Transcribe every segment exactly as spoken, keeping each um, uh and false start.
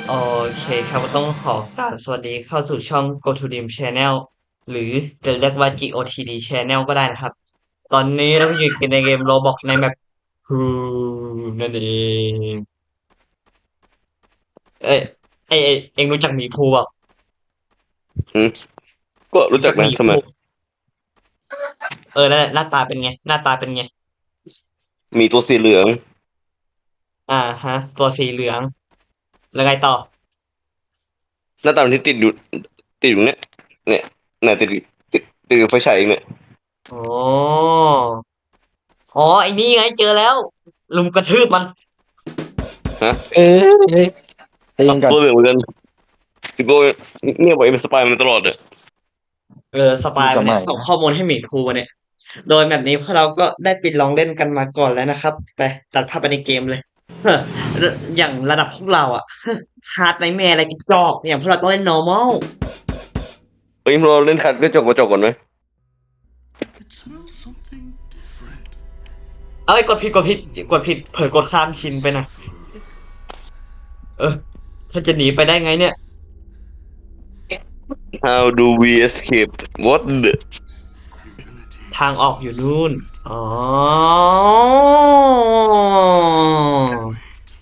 โอเคครับก็ต้องขอกราบสวัสดีเข้าสู่ช่อง Go to Dream Channel หรือจะเรียกว่า จี โอ ที ดี Channel ก็ได้นะครับ ตอนนี้เราก็อยู่กันในเกม Roblox ในแมป Pool นั่นเองเอ้ยเอ้ยเอ้ยเอ็งรู้จักหมีภูเปล่าอืมก็รู้รู้จักนะทำไมจักหมีภูเออนั่นแหละหน้าตาเป็นไงหน้าตาเป็นไงมีตัวสีเหลืองอ่าฮะตัวสีเหลืองแล้วไงต่อหน้าตามันที่ติดอยู่ติดอยู่เนี่ยเนี่ยเนี่ยติดติดติดอยู่ไฟฉายเองเนี่ยอ๋ออ๋อไอ้นี่ไงเจอแล้วลุมกระทืบมันฮะเอ้ยเอ้ยใจอ่ะเย็นก่อนตัวเหลืองเหมือนกันพี่โก้เนี่ยบอกเอ็มนสปายมันตลอดเลยเออสปายมาเนี่ยอยู่กับใหม่นะส่งข้อมูลให้หมีภูมาเนี่ย โดยแบบนี้พวกเราก็ได้ไปลองเล่นกันมาก่อนแล้วนะครับไปตัดภาพไปในเกมเลยเฮ้ออย่างระดับพวกเราอะฮาร์ดไนท์แมร์อะไรกันจอกอย่างพวกเราต้องเล่น normal เฮ้ยเราเล่นคัดก็จบกระจกก่อนไหม It smells something different. เอ้ยกดผิดกดผิดกดผิดเผลอกดข้ามชินไปหนะเออถ้าจะหนีไปได้ไงเนี่ย How do we escape what the Ability. ทางออกอยู่นู่นอ๋อ Wait.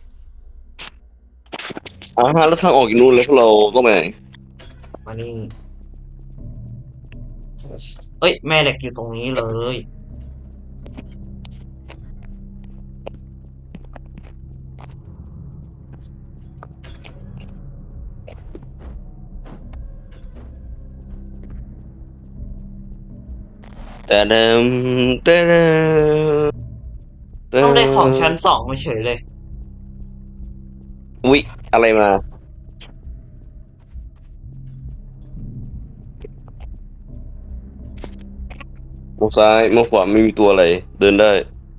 อ่าแล้วทางออกอยู่นู่นแล้วพวกเราก็ไปไหนมานี่เอ้ยแม่เหล็กอยู่ตรงนี้เลยแต่เดิมแต่เดิมแต่ต้องได้ของชั้นเดิมสองมาเฉยเลยอุ๊ยอะไรมามองซ้ายมองขวาไม่มีตัวอะไรเดินได้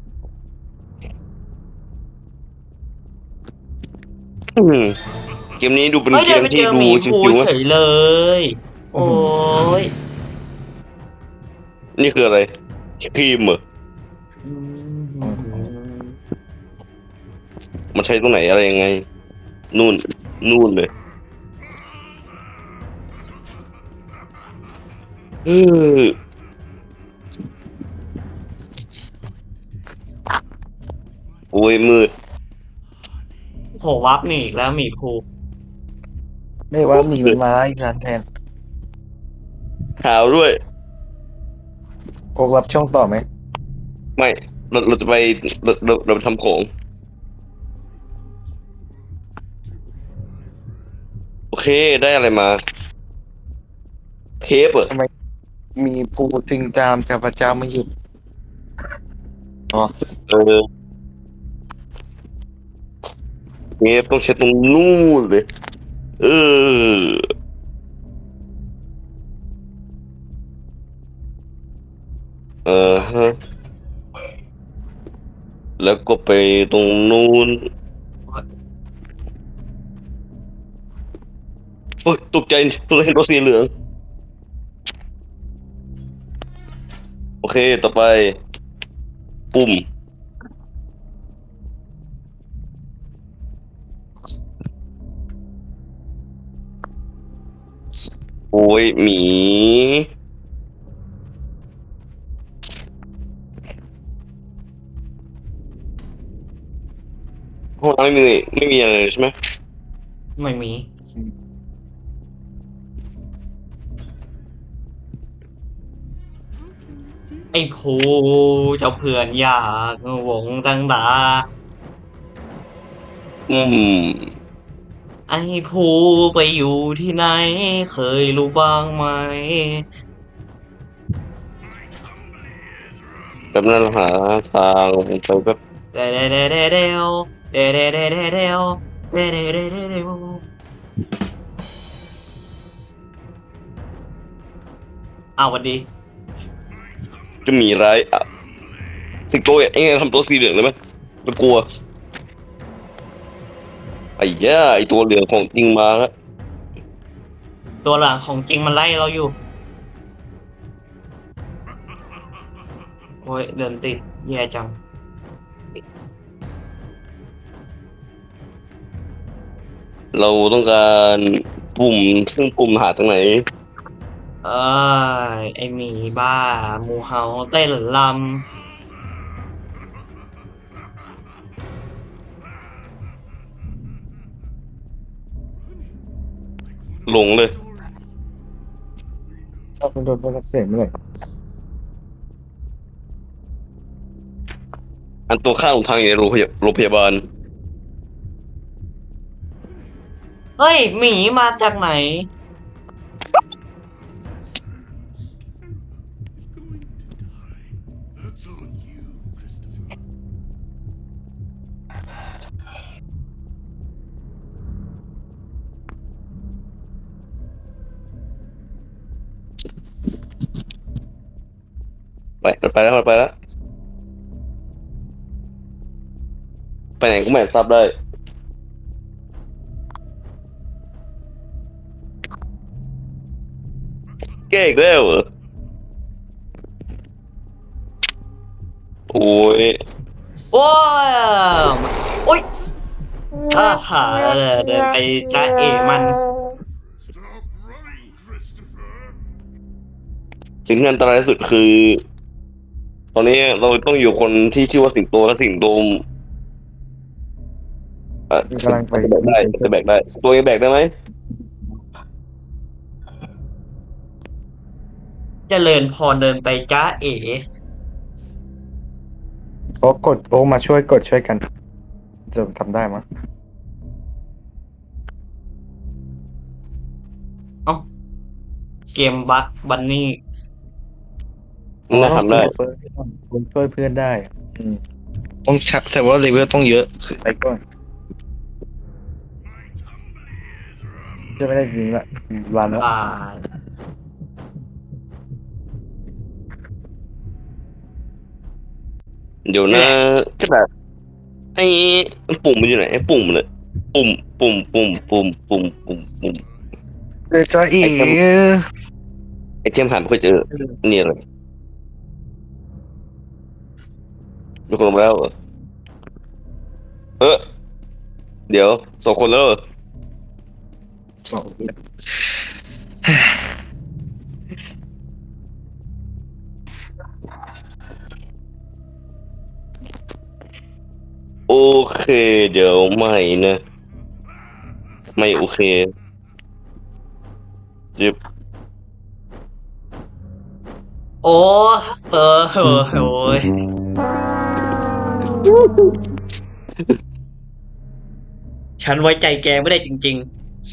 อืมเกมนี้ดูเป็นเอ้ยเกเดินไปเจอหมที่ดูมีภูชิวๆไหมเฉยเลยโอ้อื้อหือยนี่คืออะไรครีมเหรออือื้อหือมมันใช้ตรงไหนอะไรยังไงนู่นนู่นเลยเออโอ้ยมืดโหวับหนีอีกแล้วหมีภูไม่ว่าหนีมันมาอีกนานแทนหาวด้วยโอกรับช่องต่อไหมไม่เราเราจะไปเราเราเราไปทำของโอเคได้อะไรมาเทปเหรอทำไมมีปูถึงตามกับพระเจ้าไม่หยุดอ๋อเออเทปต้องใช้ตรงนู่นเลยเออเออฮะแล้วก็ไปตรงนู้นโอ้ยตกใจตัวเห็นตัวสีเหลืองโอเคต่อไปปุ่มโอ้ยหมีห้องน้ำไม่มีไม่มีอะไรเลยใช่ไหมไม่มีอืมไอ้ภูเจ้าเพื่อนอยากวงดังดาอืมไอ้ภูไปอยู่ที่ไหนเคยรู้บ้างไหมแบบนั้นหาทางไปแบบเดเดเดเดเดวเดเดเดเดเดวเดเดเดเดเดวอ้าวสวัสดีจะมีร้ายอ่ะสิงโตเอ้ยทำตัวสีเหลืองเลยไหมมันกลัวไอ้ย่าไอ้ตัวเหลืองของจริงมาแล้วตัวหลังของจริงมันไล่เราอยู่โอ้ยเดินติดแย่จังโเราต้องการปุ่มซึ่งปุ่มหาตรงไหนเอ้ยไอหมีบ้าหมูเฮาเต้นลหลงเลยถ้าคุณโดนพวกเสียงเมื่อไหร่อันตัวข้างของทางอยู่ในโรงพยาโรงพยาบาลำเฮ้ยหมีมาจากไหน That's on you, Christopher. ไปมันไปแล้วมันไปแล้วไปไหนก็ไม่ทราบได้แก้อีกแล้วเหรอโอ้ยโอ้ยโอ้ยอ่าหาเดินไปจ้าเอมัน Stop running, Christopher. สิ่งที่อันตรายที่สุดคือ ตอนนี้เราต้องอยู่คนที่ชื่อว่าสิงโตและสิงโตเอ่อมันกำลังไปจะแบกได้จะแบกได้ตัวนี้แบกได้ไหมเจริญพรเดินไปจ้าเอโอ้กดโอ้มาช่วยกดช่วยกัน จะทำได้มั้ยเอ้าเกมบักบันนี่น่าทำได้เพื่อนคุณช่วยเพื่อนได้อะอืมต้องชักแต่ว่าเลเวลต้องเยอะคือไปก่อน My tumbly ears are จะไม่ได้ยิงละวันแล้วอ่าเดี๋ยวนะจะแบบไอ้ปุ่มมันอยู่ไหนไอ้ปุ่มเลยปุ่มปุ่มปุ่มปุ่มปุ่มปุ่มปุ่มเลยจ้าอีไอเทมหาไม่เคยเจอเนี่ยเลยมีคนลงมาแล้วเหรอเออเดี๋ยวสองคนแล้วเหรอสองโอเคเดี๋ยวไม่นะไม่โอเคจิบโอ้เออเออโอ้ยฉันไว้ใจแกไม่ได้จริง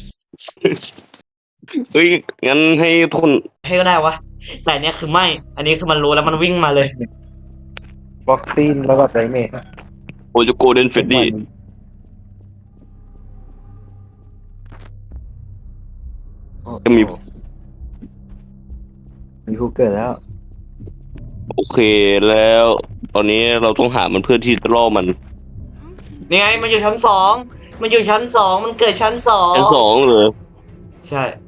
เฮ้ยงั้นให้ทุกคนๆ ให้ก็ได้วะ แต่อันเนี้ยคือไม่ อันนี้คือมันรู้แล้วมันวิ่งมาเลยบ็อกซิ่งแล้วก็ไดเมจโอจูโกเดนเฟดดี้ จะมีมีผู้เกิดแล้วโอเคแล้ว ตอนนี้เราต้องหามันเพื่อที่จะล่อมันนี่ไงมันอยู่ชั้นสอง มันอยู่ชั้นสอง มันเกิดชั้นสอชั้นงสองเลยใช่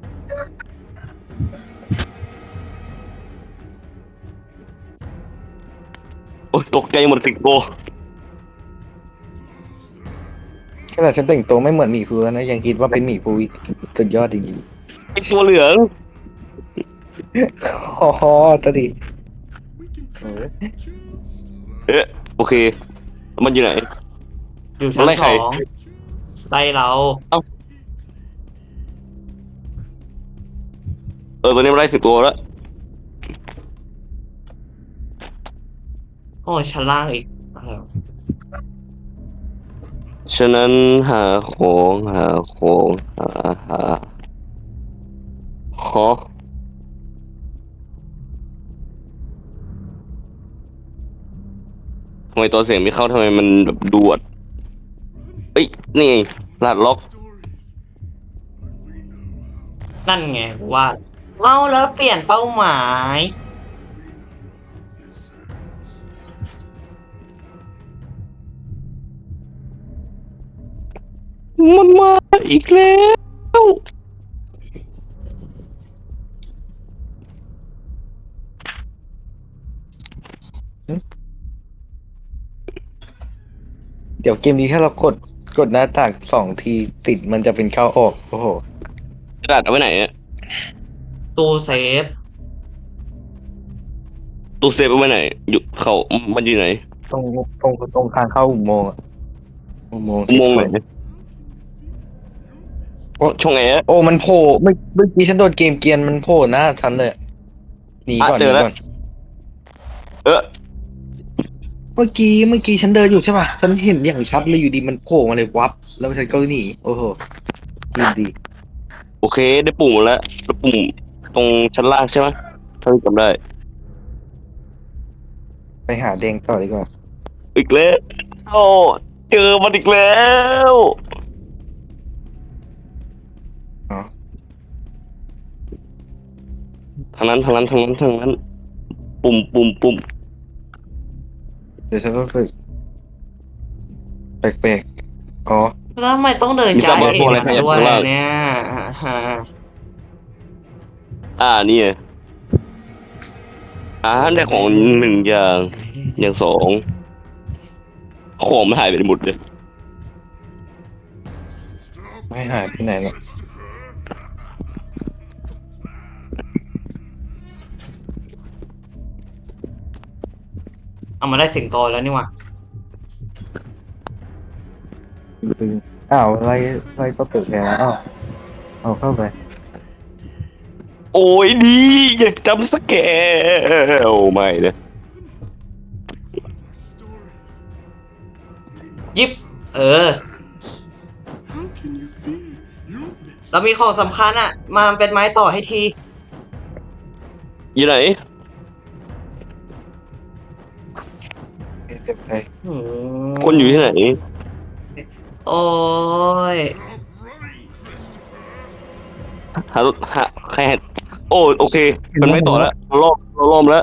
โอ้ยตกใจหมดสิงโตขนาดฉันแต่งตัวไม่เหมือนหมีภูแล้วนะยังคิดว่าเป็นหมีภูอีกสุดยอดจริงไอตัวเหลืองๆอ๋อตะดิ We can try just เอ๊ะโอเค มันอยู่ไหนอยู่ชั้นไล่สใครองไล่เราเออตอนนี้มันไล่สิงโตแล้วโอ้ชั้นล่างอีกอะไรวะฉะนั้นหาของหาของหาหาขอทำไมตัวเสียงไม่เข้าทำไมมันแบบดวดเอ้ยนี่ไงลาดล็อก stories. And we know how. นั่นไงว่าเมาแล้วเปลี่ยนเป้าหมายมันมาอีกแล้วเดี๋ยวเกมนี้ถ้าเรากดกดหน้าต่างสองทีติดมันจะเป็นเข้าออกโอ้โหกระดาษเอาไว้ไหนอะตู้เซฟตู้เซฟเอาไว้ไหนอยู่เขามันอยู่ไหนตรงตรงตรงทางเข้าอุโมงค์อะอุโมงค์อุโมงค์ไหนที่โอ้ช่องแอร์โอ้มันโผล่เมื่อเมื่อกี้ฉันโดนเกมเกรียนมันโผล่หน้าฉันเลยหนีก่อนหเจนีอแล้วก่อนเออเมื่อกี้เมื่อกี้ฉันเดินอยู่ใช่ป่ะฉันเห็นอย่างชัดเลยอยู่ดีมันโผล่มาเลยวับแล้วฉันก็หนีโอ้โหดีดีโอเคได้ปุ่มหมดแล้วแล้วปุ่มตรงชั้นล่างใช่ไหมถ้าจำได้ไปหาแดงต่อดีกว่าอีกแล้วโอ้เจอมันอีกแล้วอ๋อทางนั้นทางนั้นทางนั้นทางนั้น ปุ่มปุ่มปุ่มเดี๋ยวฉันรู้สึกแปลกๆอ๋อแล้วทำไมต้องเดินมีจ้าตามมาเอ๋พวกอะไรมาขยับด้วยข้างล่างเนี่ยฮะอ่านี่ไงอ่าได้ของหนึ่งอย่างอย่างสองของมันหายไปหมดเลย Stop ไม่หายไปไหนหรอก Christopher. เอามาได้สิงโตแล้วนี่หว่าดึงอ้าวไล่ไล่ก็เปิดแผลแล้วอ้าวเอาเข้าไปโอ้ยดีอยากจำสแกร์โอ้ไม่นะ Stories. ยิบ เออ How can you fear your best? แล้วมีของสำคัญอ่ะ มาเป็นไม้ต่อให้ทีอยู่ไหนเต็มไปหืมคนอยู่ที่ไหนโอ้ย Stop running, Christopher. หารถหาใครหาโอ้โอเค มันไม่ต่อแล้วเราล่อเราล่อมนแล้ว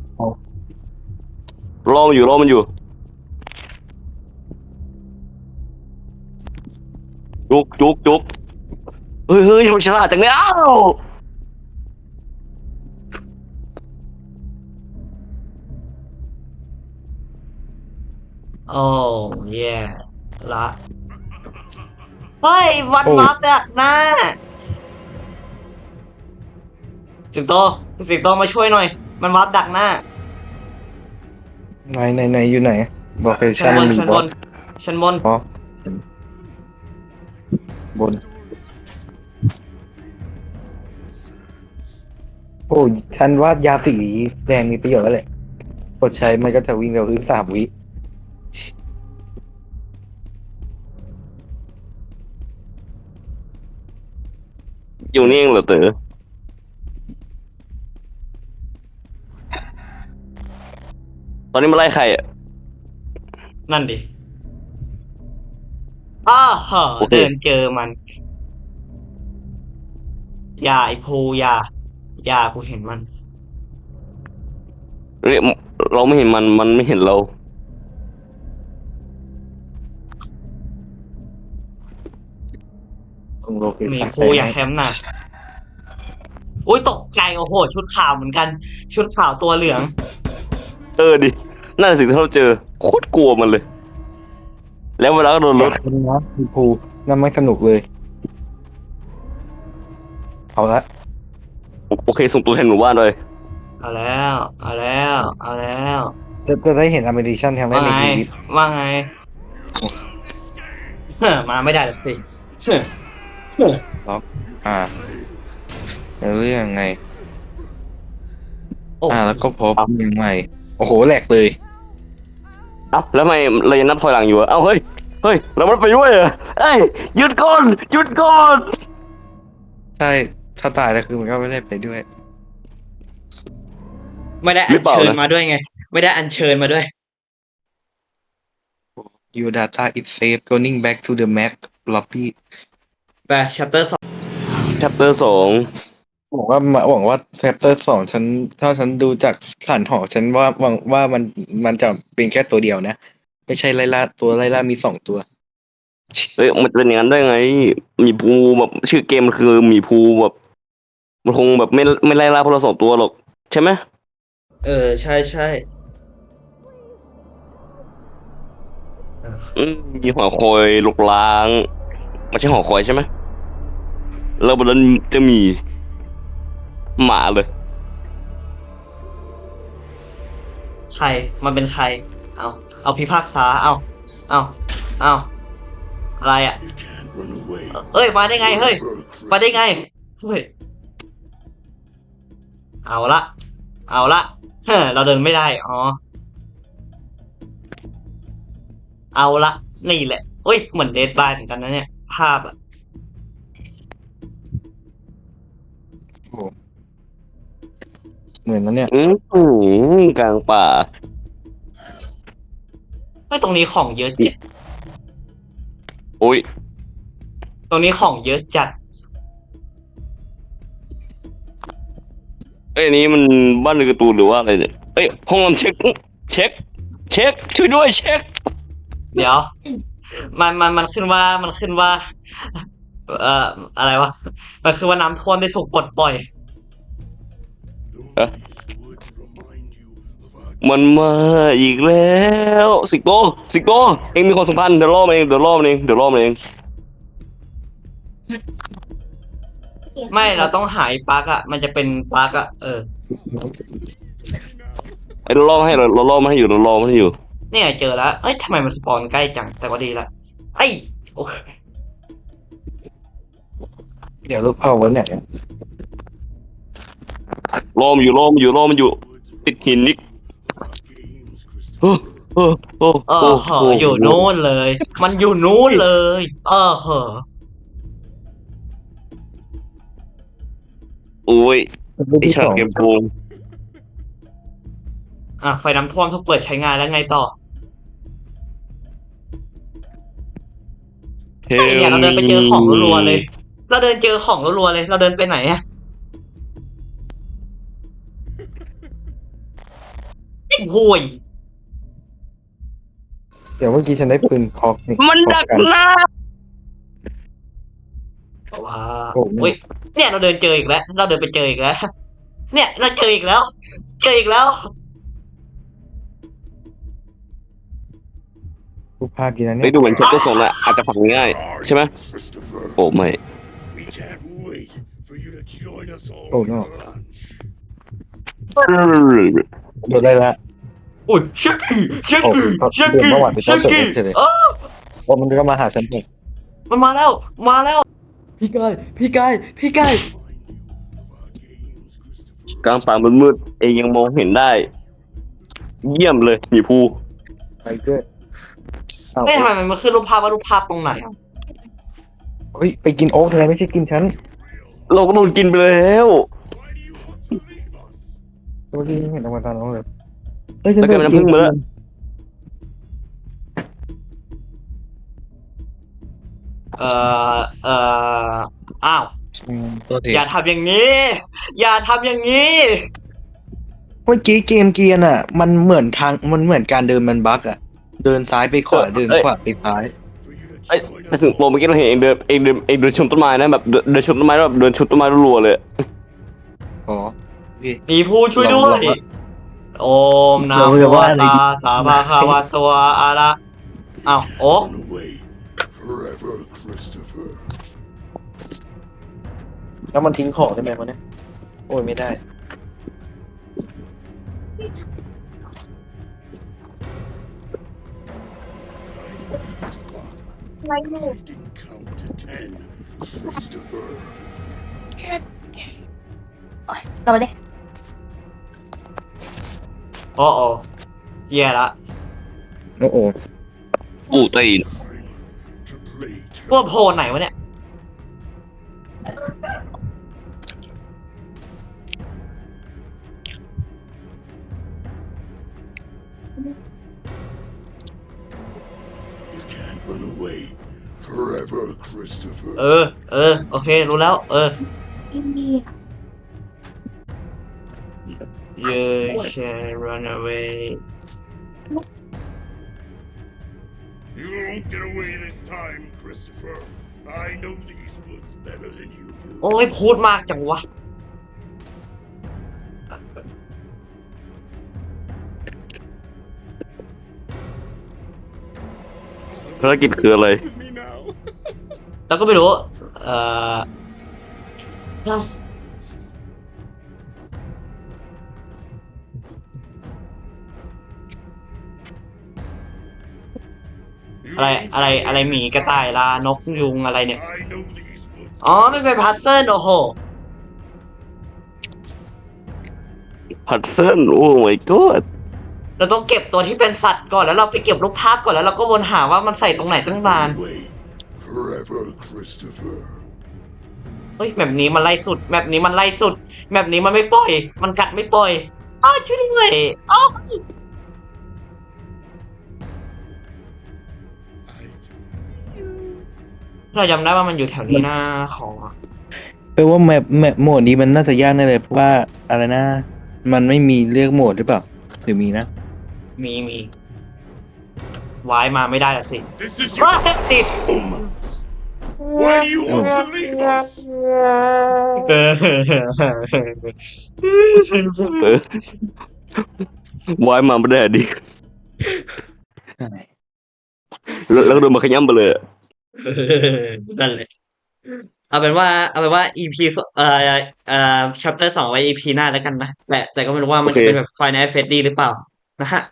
ล่อมันอยู่ล่อมันอยู่จุกจุกจุกเฮ้ยเฮ้ยมันฉลาดจังเลยอ้าวโอ้แย่ละ เฮ้ย วันโอ้ยวับดักหน้า สิงโต สิงโตมาช่วยหน่อย มันวับดักหน้าไหนไหนไหนอยู่ไหนบอกให้ชั้นบนมีชั้นบบ อสน ชั้นบนอ๋อ บน โอ้ยฉันว่ายาสีแดงมีประโยชน์แล้วแหละกดใช้มันก็จะวิ่งเร็วขึ้นสามวิอยู่นี่เองเหรอเต๋อตอนนี้มาไล่ใครอ่ะนั่นดิ อ้าเหอะโอเคเดินเจอมัน อย่าไอภูอย่า อย่ากูเห็นมันเรียกเราไม่เห็นมันมันไม่เห็นเราตรงโลเคหมีชั่นภูอย่าแคมป์นะอุ้ยตกใจโอ้โห ชุดขาวเหมือนกัน ชุดขาวตัวเหลืองเออดินั่นสิ่งที่เราเจอโคตรกลัวมันเลย แล้วเวลาก็โดนรถคุณนะมีภูนั่นไม่สนุกเลย เอาละโอเคส่งตัวแทนหมู่บ้านเลยเอาแล้ว เอาแล้ว เอาแล้วจะจะได้เห็นอเมริชันครั้งแรว่ากในไงชีวิตว่าไงเฮ้อมาไม่ได้ละสิเฮ้อเฮ้อล็อก อ่าแล้วเรื่องไงโอ้อ่า แล้วก็พบยังใหม่ โอ้โหแหลกเลยเอ้าแล้วทำไมเรายังนับถอยหลังอยู่อะเอ้าเฮ้ยเฮ้ยเราไม่ไปด้วยเหรอเอ้ยหยุดก่อนหยุดก่อนใช่ ถ้าตายแล้วคือมันก็ไม่ได้ไปด้วยไม่ได้อัญเชิญมาด้วยไง ไม่ได้อัญเชิญมาด้วย Your data is safe going back to the Mac lobby ไป chapter สองชัปเตอร์สองหวังว่าหวังว่าแฟปเตอร์สองฉันถ้าฉันดูจากฐานหอฉันว่าหวังว่ามันมันจะเป็นแค่ตัวเดียวนะ ไม่ใช่ไล่ล่าตัวไล่ล่ามีสองตัวเฮ้ยมันจะเป็นอย่างนั้นได้ไงหมีภูแบบชื่อเกมมันคือหมีภูแบบมันคงแบบไม่ไม่ไล่ล่าพวกเราสองตัวหรอกใช่ไหมเออ ใช่ใช่เออืมมีหอคอยลุกล้างไม่ใช่หอคอยใช่ไหมแล้วบนนั้นจะมีหมาเลยใครมันเป็นใครเอาเอาพิพากษาเอาเอาเอาอะไรอ่ะ You can't run away เอ้ยมาได้ไงเฮ้ย forever, มาได้ไง Christopher. เฮ้ยเอาละเอาละเฮ้ยเราเดินไม่ได้อ๋อเอาละนี่แหละเอ้ยเหมือนเดดไลน์เหมือนกันนะเนี่ยภาพอ่ะโอ้เหมือนนั้นเนี่ยอืมกลางป่าเฮ้ยตรงนี้ของเยอะจัดโอ้ยตรงนี้ของเยอะจัดเอ้ยอันนี้มันบ้านเรือนการ์ตูนหรือว่าอะไรเนี่ยเอ้ยห้องนอนเช็คเช็คเช็คช่วยด้วยเช็คเดี๋ยว มันมันมันขึ้นว่ามันขึ้นว่า เอ่ออะไรวะมันคือว่าน้ำท่วมได้ถูกปลดปล่อย Don't these woods remind you of our มันมาอีกแล้วสิงโตสิงโตเองมีความสัมพันธ์เดี๋ยวล่อมันเองเดี๋ยวล่อมันเองเดี๋ยวล่อมันเองไม่เราต้องหายปลั๊กอ่ะมันจะเป็นปลั๊กอ่ะเออไอ้เราล่อมาให้เราเราล่อมาให้อยู่เราล่อมาให้อยู่เนี่ยเจอแล้วเอ้ยทำไมมันสปอนใกล้จังแต่ก็ดีละไอ้ยโอเคเดี๋ยวรูปเอาไว้ไหนอะล่อมันอยู่ล่อมันอยู่ล่อมันอยู่ woods ติดหินนิด games, เออ Christopher. เออเออเออเหอะอยู่นู้นเลย มันอยู่นู้นเลย เออเหอะโอ้ยรูปไอที่ฉาสกองเกมโกงอ่ะไฟน้ำท่วมถูกเปิดใช้งานแล้วไงต่อเทเฮ้ยเนี่ยเราเดินไปเจอของรัวๆเลย เราเดินเจอของรัวๆเลย เราเดินไปไหนอะไอ้โห่ยเดี๋ยวเมื่อกี้ฉันได้ปืนคอกนี่มันดักคอหน้าว้าโอ้โหอุ้ยเนี่ยเราเดินเจออีกแล้ว เราเดินไปเจออีกแล้ว เนี่ยเราเจออีกแล้ว เจออีกแล้วรูปภาพดีนะไปเนี่ยดูเหมือนเชปเตอร์สองละอาจจะฝังง่ายใช่ไหม Christopher. โอ้ไม่ We can't wait for you to join us all Oh, for no. lunch. โดนได้ละอุ้ยชักกี้ชักโอ้กี้ก็ชักเดินกี้เมื่อวานไปชัเจ้าก เฉกี้ยเลยเออโอ้มันก็มาหาฉันเองมันมาแล้ว มาแล้ว พี่กาย พี่กาย พี่กาย Remind you of our games, Christopher. กลางป่ามืดๆเองยังมองเห็นได้ เยี่ยมเลยหมีภูไปด้วยเอาเอ้ยทำไมมันมาขึ้นรูปภาพว่ารูปภาพตรงไหนอะเฮ้ยไปกินโอ๊กเลยไม่ใช่กินฉันเราก็โดนกินไปแล้ว Why do you want to leave us? เมื่อกี้เห็นออกมาตอนน้องเลยเฮ้ยฉันแล้วแกเป็นน้ำผึ้งมาแล้วเอ่อ เอ่อ อ้าวอืมตัวทีอย่าทำอย่างนี้ อย่าทำอย่างนี้เมื่อกี้เกมเกียร์น่ะ มันเหมือนทางมันเหมือนการเดินมันบั๊กอะเดินซ้ายไปขวาเดินขวาไปซ้าย For you to ไอ้ join แต่ us ถึงโปร all เมื่อกี้เราเห็นเองเดินเองเดินเองเดินชนต้นไม้นะแบบเดินเดินชนต้นไม้แล้วแบบเดินชนต้นไม้รัวๆเลยอ๋อพี่มีผู้ช่วยด้วลองยว่าโอมนะเราโมจะว่าอะไรตาดีสาบาคาวะตัวอะระอ้าวโอ๊ก Run away forever, Christopher. แล้วมันทิ้งของได้ไหมวะเนี่ยโอ้ยไม่ได้ Six o'clock. I didn't count to ten, Christopher. เราไปเลยโอ้โอแย่ละโอ้โหอู้ตีน To play พวกโพลไหนวะเนี่ย You can't run away forever, Christopher. เออ เออ โอเค รู้แล้ว เออ You shall run away You won't get away this time, Christopher. I know these woods better than you do. โอ้ยพูดมากจังวะ If ภารกิจคืออะไร with me now. แล้วก็ไม่รู้ เอ่อ You อะไร won't อะไร get อะไร away หมี this กระต่าย time, ลานก ยุง อะไรเนี่ย I know these woods อ๋อไม่เป็นพัซเซิลโอ้โหพัดเซิลโอ้ my god เราต้องเก็บตัวที่เป็นสัตว์ก่อน แล้วเราไปเก็บรูปภาพก่อน แล้วเราก็วนหาว่ามันใส่ตรงไหนตั้งนาน away forever, Christopher. เฮ้ยแบบนี้มันไล่สุดแบบนี้มันไล่สุดแบบนี้มันไม่ปล่อย มันกัดไม่ปล่อยอ้าวช่วยด้วยอ้าว I can see you. เราจำได้ว่ามันอยู่แถวนี้หน้าของแปลว่าแมปแมปโหมดนี้มันน่าจะยากแน่เลยเพราะว่าอะไรนะ มันไม่มีเลือกโหมดหรือเปล่าหรือมีนะมีมีวายมาไม่ได้ละสิ This is ว้า your ติด home. Why do you want to leave us? เออเออวายมาไม่ได้ดิแล้วแล้วก็โดนมาขย้ำไปเลยอะนั่นแหละเอาเป็นว่าเอาเป็นว่า อี พี สเอ่อเอ่อ chapter สองไว้ อี พี หน้าแล้วกันนะแต่แต่ก็ไม่รู้ว่ามันจะเป็นแบบ Final Fantasy หรือเปล่านะฮะ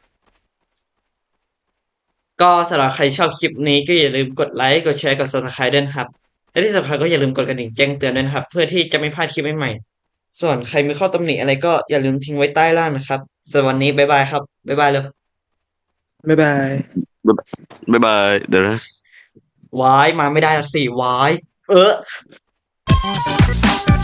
ก็สำหรับใครชอบคลิปนี้ก็อย่าลืมกดไลค์กดแชร์กด Subscribe ด้วยนะครับและที่สำคัญก็อย่าลืมกดกระดิ่งแจ้งเตือนด้วยนะครับ เพื่อที่จะไม่พลาดคลิปใหม่ๆส่วนใครมีข้อตำหนิอะไรก็อย่าลืมทิ้งไว้ใต้ล่างนะครับส่วนวันนี้บ๊ายบายครับบ๊ายบายเลยบ๊ายบายบ๊ายบายเดี๋ยวนะวายมาไม่ได้ละสิวายเออ